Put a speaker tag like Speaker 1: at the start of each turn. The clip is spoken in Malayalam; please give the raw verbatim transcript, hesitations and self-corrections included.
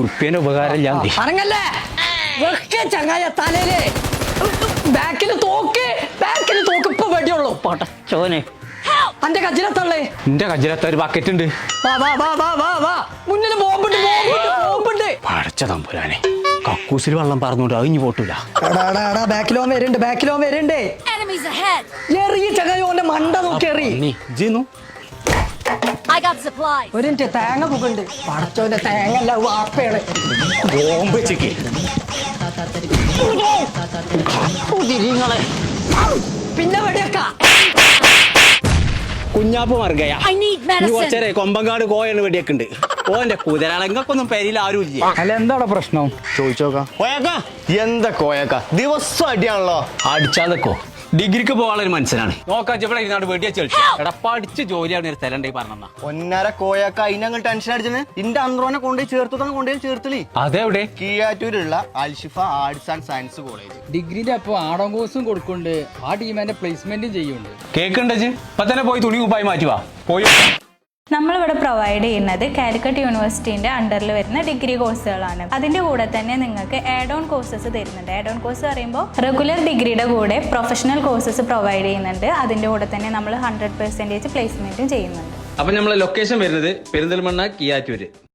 Speaker 1: ഉറുപ്പ്യന്റെ ഉപകാരം ഞാൻ
Speaker 2: അനങ്ങല്ലേ ചങ്ങായ തലയില് ബാക്കിൽ തോക്ക് ബാക്കിൽ തോക്ക് ഇപ്പൊ വെടിയുള്ളൂ
Speaker 1: ചോനെ
Speaker 2: അന്റെ കജിലത്തള്ളേ
Speaker 1: എന്റെ കജിലത്ത ഒരു ബക്കറ്റ് ഉണ്ട്.
Speaker 2: വാ വാ വാ വാ വാ വാ മുന്നിൽ ബോംബുണ്ട് ബോംബുണ്ട് ബോംബുണ്ട്.
Speaker 1: പടച്ച തമ്പുരാനെ കക്കൂസിൽ വെള്ളം പറഞ്ഞോണ്ട് അഴിഞ്ഞു പോട്ടൂല.
Speaker 2: ബാക്കിലോ വരുന്നുണ്ട് ബാക്കിലോ വരുന്നുണ്ട്. എറിയ ചങ്ങായി ഓന്റെ മണ്ട നോക്കി എറി. ഒരു മിനിറ്റ് തേങ്ങ പുകണ്ട് പടച്ചോന്റെ തേങ്ങ അല്ല വാപ്പയാണ്.
Speaker 1: ബോംബ് വെച്ചേക്ക്
Speaker 2: പിന്നെ വെടിയൊക്ക
Speaker 1: കുഞ്ഞാപ്പ് മറുകയാ കുറച്ചേരെ കൊമ്പങ്കാട് കോയാണ് വെടിയൊക്കെ ഉണ്ട്. ഓന്റെ കുതിരളങ്ങൾക്കൊന്നും പെരിയിൽ ആരും ഇല്ല.
Speaker 3: അല്ല എന്താണ് പ്രശ്നം
Speaker 4: ചോദിച്ചോക്കാം. കോയക്ക എന്താ കോയക്ക ദിവസം അടിയാണല്ലോ.
Speaker 1: അടിച്ചാലോ ഡിഗ്രിക്ക് പോകാനുള്ള ഒരു മനസ്സിലാണ് നോക്കാൻ ഇവിടെ ഇരുന്നാട് വെടിയ ചെളിച്ചു എടാ പഠിച്ച് ജോലിയാണ് ഒരു സ്ഥലം ഉണ്ടെങ്കിൽ പറഞ്ഞ
Speaker 4: ഒന്നര കോയക്ക അതിനങ്ങൾ ടെൻഷൻ അടിച്ചത് ഇന്റെ അന്ത്രോനെ കൊണ്ടുപോയി ചേർത്തതാണ് കൊണ്ടുപോയി ചേർത്തലി.
Speaker 1: അതെവിടെ?
Speaker 4: കീയാറ്റൂരുള്ള Al Shifa arts and science college.
Speaker 3: ഡിഗ്രിന്റെ അപ്പൊ ആടോം കോഴ്സും കൊടുക്കുന്നുണ്ട്. ആ ടീമിന്റെ പ്ലേസ്മെന്റും ചെയ്യുന്നുണ്ട്.
Speaker 1: കേക്കുണ്ട് ഇപ്പൊ തന്നെ പോയി തുണി കുപ്പായി മാറ്റുവാ പോയി.
Speaker 5: നമ്മളിവിടെ പ്രൊവൈഡ് ചെയ്യുന്നത് കാലിക്കറ്റ് യൂണിവേഴ്സിറ്റിന്റെ അണ്ടറിൽ വരുന്ന ഡിഗ്രി കോഴ്സുകളാണ്. അതിന്റെ കൂടെ തന്നെ നിങ്ങൾക്ക് ആഡ് ഓൺ കോഴ്സസ് തരുന്നുണ്ട്. ആഡ് ഓൺ കോഴ്സ് പറയുമ്പോൾ റെഗുലർ ഡിഗ്രിയുടെ കൂടെ പ്രൊഫഷണൽ കോഴ്സസ് പ്രൊവൈഡ് ചെയ്യുന്നുണ്ട്. അതിന്റെ കൂടെ തന്നെ നമ്മൾ ഹൺഡ്രഡ് പെർസെന്റേജ് പ്ലേസ്മെന്റും ചെയ്യുന്നുണ്ട്.
Speaker 1: അപ്പൊ നമ്മളെ ലൊക്കേഷൻ വരുന്നത് പെരിന്തൽമണ്ണ കിയാറ്റൂര്.